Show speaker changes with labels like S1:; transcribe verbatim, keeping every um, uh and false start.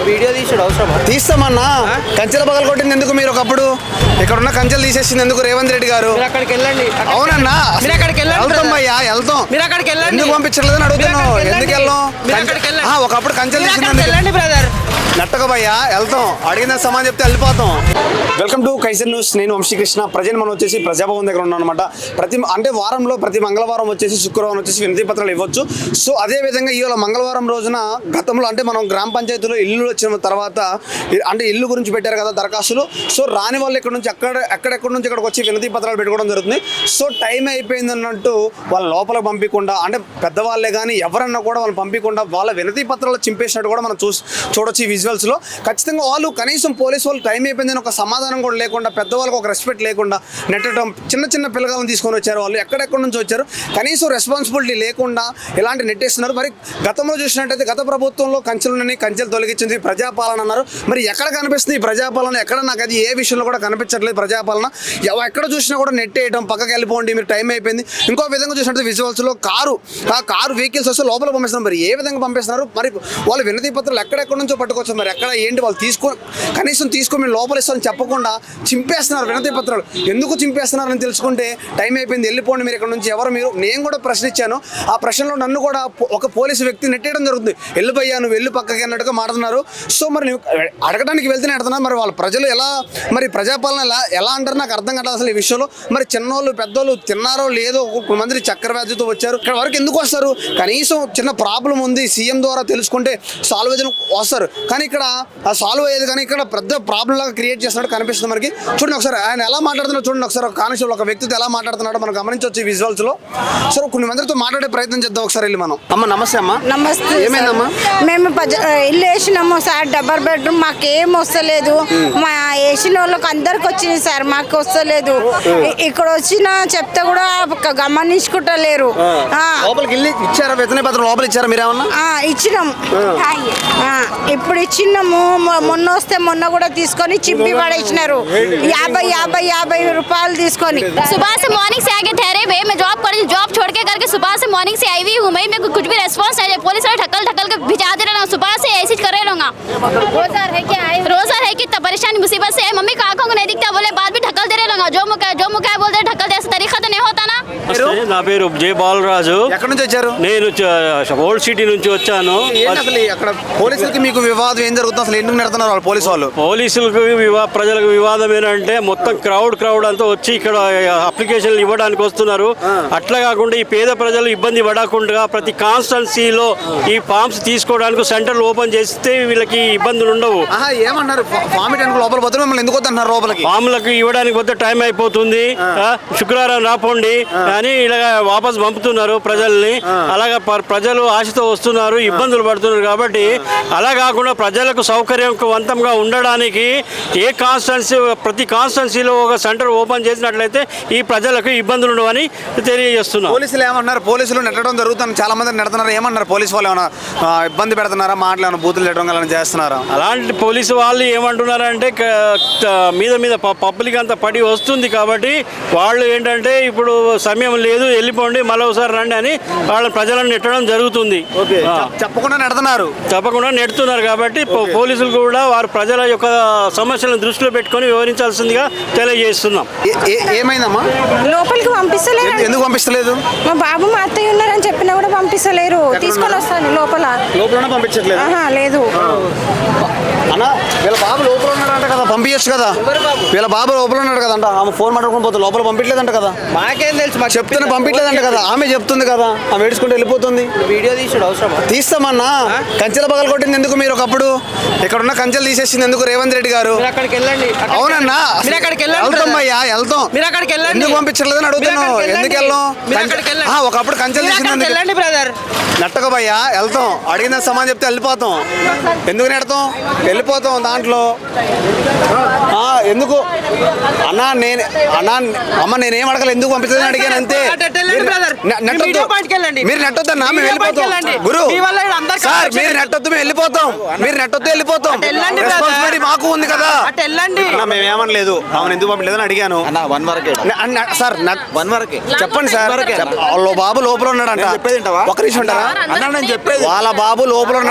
S1: Video తీసుడు అవసరమా?
S2: తీస్తామన్నా. కంచెల పగల కొట్టింది ఎందుకు మీరు ఒకప్పుడు? ఇక్కడ ఉన్న కంచెలు తీసేసింది ఎందుకు రేవంత్ రెడ్డి గారు?
S1: అక్కడికి వెళ్ళండి.
S2: అవునన్నా,
S1: మీరు అక్కడికి వెళ్ళండి.
S2: వెళ్తాం అయ్యా, వెళ్తాం.
S1: మీరు అక్కడికి వెళ్ళండి.
S2: ఎందుకు పంపించలేదని అడుగుతున్నాను. ఎందుకు వెళ్ళాం? ఒకప్పుడు కంచెలు తీసింది
S1: వెళ్ళండి బ్రదర్.
S2: నట్టక భయ్యా, వెళ్తాం. అడిగిన సమాన్ చెప్తే వెళ్ళిపోతాం. Welcome to Kaiser News. నేను వంశీకృష్ణ. ప్రజెంట్ మనం వచ్చేసి ప్రజాభవన్ దగ్గర ఉన్నాం అనమాట. ప్రతి అంటే వారంలో ప్రతి మంగళవారం వచ్చేసి శుక్రవారం వచ్చేసి వినతి పత్రాలు ఇవ్వచ్చు. సో అదే విధంగా ఇవాళ మంగళవారం రోజున గతంలో అంటే మనం గ్రామ పంచాయతీలో ఇల్లు వచ్చిన తర్వాత అంటే ఇల్లు గురించి పెట్టారు కదా దరఖాస్తులు. సో రాని వాళ్ళు ఇక్కడ నుంచి అక్కడ ఎక్కడెక్కడి నుంచి ఇక్కడికి వచ్చి వినతి పత్రాలు పెట్టుకోవడం జరుగుతుంది. సో టైం అయిపోయింది అన్నట్టు వాళ్ళ లోపలికి పంపించకుండా అంటే పెద్దవాళ్ళే కానీ ఎవరన్నా కూడా వాళ్ళని పంపించకుండా వాళ్ళ వినతి పత్రాలు చింపేసినట్టు కూడా మనం చూసి చూడొచ్చు ఈ విజువల్స్లో. ఖచ్చితంగా వాళ్ళు కనీసం పోలీసు వాళ్ళు టైం అయిపోయిందని ఒక సమాధానం కూడా లేకుండా పెద్దవాళ్ళకి ఒక రెస్పెక్ట్ లేకుండా నెట్టడం, చిన్న చిన్న పిల్లగాలను తీసుకొని వచ్చారు. వాళ్ళు ఎక్కడెక్కడి నుంచి వచ్చారు, కనీసం రెస్పాన్సిబిలిటీ లేకుండా ఇలాంటి నెట్టేస్తున్నారు. మరి గతంలో చూసినట్టయితే గత ప్రభుత్వంలో కంచెలున్నాయి, కంచెలు తొలగించింది, ప్రజాపాలన అన్నారు. మరి ఎక్కడ కనిపిస్తుంది ఈ ప్రజాపాలన? ఎక్కడ నాకు అది ఏ విషయంలో కూడా కనిపించట్లేదు ప్రజాపాలన. ఎక్కడ చూసినా కూడా నెట్టేయడం, పక్కకి వెళ్ళిపోండి, మీరు టైం అయిపోయింది. ఇంకో విధంగా చూసినట్టు విజువల్స్లో కారు ఆ కారు వెహికల్స్ వస్తే లోపల పంపిస్తున్నారు. మరి ఏ విధంగా పంపిస్తున్నారు? మరి వాళ్ళు వినతి పత్రాలు ఎక్కడెక్కడి నుంచో పట్టుకోవచ్చు. మరి ఎక్కడ ఏంటి వాళ్ళు తీసుకో కనీసం తీసుకొని మీరు లోపల ఇస్తారని చెప్పకుండా చింపేస్తున్నారు వినతి పత్రాలు. ఎందుకు చింపేస్తున్నారని తెలుసుకుంటే టైం అయిపోయింది, వెళ్ళిపోండి మీరు ఇక్కడ నుంచి. ఎవరు మీరు? నేను కూడా ప్రశ్న ఇచ్చాను. ఆ ప్రశ్నలో నన్ను కూడా ఒక పోలీసు వ్యక్తి నెట్టేయడం జరుగుతుంది. వెళ్ళిపోయాను, వెళ్ళి పక్కకి అన్నట్టుగా మాట్లాడుతున్నారు. సో మరి నువ్వు అడగడానికి వెళ్తేనే అడుగుతున్నారు. మరి వాళ్ళ ప్రజలు ఎలా మరి ప్రజాపాలన ఎలా ఎలా అంటారు నాకు అర్థం కాదు అసలు ఈ విషయంలో. మరి చిన్నోళ్ళు పెద్దోళ్ళు తిన్నారో లేదో, కొంతమంది చక్కెర వ్యాధితో వచ్చారు. ఇక్కడ వరకు ఎందుకు వస్తారు? కనీసం చిన్న ప్రాబ్లం ఉంది సీఎం ద్వారా తెలుసుకుంటే సాల్వ్ అయ్యేది వస్తారు. కానీ ఇక్కడ ఆ సాల్వ్ అయ్యేది కానీ ఇక్కడ పెద్ద ప్రాబ్లం లాగా క్రియేట్ చేస్తున్నట్టు కనిపిస్తుంది మనకి. చూడండి ఒకసారి ఆయన ఎలా మాట్లాడుతున్నాడు చూడండి ఒకసారి. ఒక కానిస్టేబుల్ ఒక వ్యక్తితో ఎలా మాట్లాడుతున్నాడో మనం గమనించవచ్చు ఈ విజువల్స్ లో. సో కొన్ని మందితో మాట్లాడే ప్రయత్నం చేద్దాం ఒకసారి వెళ్ళి మనం. అమ్మ నమస్తే అమ్మా.
S3: నమస్తే.
S2: ఏమైందమ్మా?
S3: మేము ఇల్లు వేసినాము సార్, డబల్ బెడ్రూమ్. మాకేం వస్తలేదు. మా వేసిన వాళ్ళకి అందరికి వచ్చింది సార్, మాకు వస్తలేదు. ఇక్కడ వచ్చిన చెప్తే కూడా గమనించుకుంటలేరు.
S2: లోపలికి వెళ్ళి ఇచ్చారా వినతి పత్రం? లోపల ఇచ్చారా మీరేమన్నా?
S3: ఇచ్చినాం, ఇప్పుడు ఇచ్చినాము. మొన్న వస్తే మొన్న కూడా తీసుకొని చింపి పడేసినారు. యాభై యాభై యాభై రూపాయలు తీసుకొని.
S4: सुबह से मॉर्निंग से आके ठहरे हुए, मैं जॉब कर जॉब छोड़ के करके सुबह से मॉर्निंग से आई हुई हूँ मैं। मेरे को कुछ भी रेस्पॉन्स नहीं है। पुलिस वाले ढकल ढकल के भिजा दे रहे, सुबह से ऐसे कर रहे रहूँगा। रोजगार है क्या? रोजगार है कि परेशानी मुसीबत से है। मम्मी का आंखों को नहीं दिखता, बोले बाद भी ढकल दे रहे रहूँगा। जो मुका जो मुका बोलते ढकल दे, ऐसा तरीका तो नहीं होता ना।
S5: నా పేరు జే బాలరాజు.
S2: ఎక్కడి నుంచి వచ్చారు?
S5: నేను ఓల్డ్ సిటీ నుంచి వచ్చాను.
S2: అసలు అక్కడ పోలీసులకి మీకు వివాదం ఏం జరుగుతుంది? అసలు ఎందుకు నెడుతున్నారు వాళ్ళు పోలీసు వాళ్ళు?
S5: పోలీసులకు వివా ప్రజలకు వివాదం ఏంటంటే మొత్తం క్రౌడ్ క్రౌడ్ అంతా వచ్చి ఇక్కడ అప్లికేషన్లు ఇవ్వడానికి వస్తున్నారు. అట్లా కాకుండా ఈ పేద ప్రజలు ఇబ్బంది పడకుండా ప్రతి కాన్స్టెన్సీలో ఈ ఫామ్స్ తీసుకోవడానికి సెంటర్లు ఓపెన్ చేస్తే వీళ్ళకి ఇబ్బందులు ఉండవు.
S2: ఏమన్నారు? ఫామ్ లోపల పోతే మిమ్మల్ని ఎందుకు వద్దన్నారు లోపలికి?
S5: ఫామ్లకు ఇవ్వడానికి పోతే టైం అయిపోతుంది, శుక్రవారం రాపోండి అని ఇలా వాపస్ పంపుతున్నారు ప్రజల్ని. అలాగా ప్రజలు ఆశతో వస్తున్నారు, ఇబ్బందులు పడుతున్నారు. కాబట్టి అలా కాకుండా ప్రజలకు సౌకర్యవంతంగా ఉండడానికి ఏ కాన్స్టెన్సీ ప్రతి కాన్స్టెన్సీలో ఒక సెంటర్ ఓపెన్ చేసినట్లయితే ఈ ప్రజలకు ఇబ్బందులు ఉండవని తెలియజేస్తున్నారు.
S2: పోలీసులు ఏమన్నారు? పోలీసులు నెట్టడం జరుగుతుంది, చాలా మంది నెడుతున్నారు. ఏమన్నారు పోలీసు వాళ్ళు? ఏమైనా ఇబ్బంది పెడుతున్నారా? మాటలు ఏమైనా బూతులు నెట్టడం అలా చేస్తున్నారా?
S5: అలాంటి పోలీసు వాళ్ళు ఏమంటున్నారంటే మీద మీద పబ్లిక్ అంతా పడి వస్తుంది కాబట్టి వాళ్ళు ఏంటంటే ఇప్పుడు సమయం లేదు, వెళ్ళిపోండి, మళ్ళీ ఒకసారి రండి అని వాళ్ళ ప్రజలను నెట్టడం జరుగుతుంది.
S2: చెప్పకుండా నెడుతున్నారు
S5: తప్పకుండా నెడుతున్నారు కాబట్టి పోలీసులు కూడా వారు ప్రజల యొక్క సమస్యలను దృష్టిలో పెట్టుకొని వివరించాల్సిందిగా తెలియజేస్తున్నాం.
S2: ఏమైందమ్మా?
S3: లోపలికి పంపిస్తలేరు.
S2: ఎందుకు పంపిస్తలేదు?
S3: మా బాబు మా అత్తయ్య ఉన్నారని చెప్పినా కూడా పంపిస్తలేరు. తీసుకొని వస్తాను లోపల.
S2: లోపల పంపించట్లేదు?
S3: లేదు
S2: అన్నా, వీళ్ళ బాబు లోపల ఉన్నాడంట కదా, పంపించచ్చు కదా. వీళ్ళ బాబు లోపల ఉన్నాడు కదంట. ఆమె ఫోన్ మాట్లాడుకుని పోతే లోపల పంపించలేదంట కదా.
S1: మాకేం తెలుసు? మాకు
S2: చెప్తున్నా పంపించలేదంట కదా. ఆమె చెప్తుంది కదా, ఆమె ఏడుచుకుంటూ వెళ్ళిపోతుంది.
S1: వీడియో తీసుడు అవసరమా?
S2: తీస్తామన్నా. కంచెల పగల కొట్టింది ఎందుకు మీరు ఒకప్పుడు? ఇక్కడ ఉన్న కంచెలు తీసేసింది ఎందుకు రేవంత్ రెడ్డి గారు?
S1: అక్కడికి వెళ్ళండి.
S2: అవునన్నా,
S1: మీరు అక్కడికి వెళ్ళండి.
S2: వెళ్తాం అయ్యా, వెళ్తాం.
S1: మీరు అక్కడికి వెళ్ళండి.
S2: ఎందుకు పంపించలేదని అడుగుతున్నాను. ఎందుకు వెళ్ళాం? ఒకప్పుడు కంచెలు తీసింది
S1: వెళ్ళండి బ్రదర్.
S2: నట్టక భయ్యా, వెళ్తాం. అడిగిన సమాన్ చెప్తే వెళ్ళిపోతాం. ఎందుకు నెడతాం? వెళ్ళిపోతాం దాంట్లో. ఎందుకు అన్నా? నేను అన్నా అమ్మ నేనేం అడగలేదు, ఎందుకు పంపించదని అడిగాను అంతే. మీరు నెట్టొద్దన్నా, మేము వెళ్ళిపోతాం. గురు సార్, మీరు నెట్టొద్దు, మేము వెళ్ళిపోతాం. మీరు నెట్టొద్దు, వెళ్ళిపోతాం. రెస్పాన్సిబిలిటీ మాకు ఉంది కదా. మేము ఏమనలేదు, ఆమెను ఎందుకు పంపించలేదని అడిగాను సార్. వన్ వరకే చెప్పండి సార్. వాళ్ళ బాబు లోపల ఉన్నాడంట. ఒక నిమిషం ఉంటారా? వాళ్ళ బాబు లోపల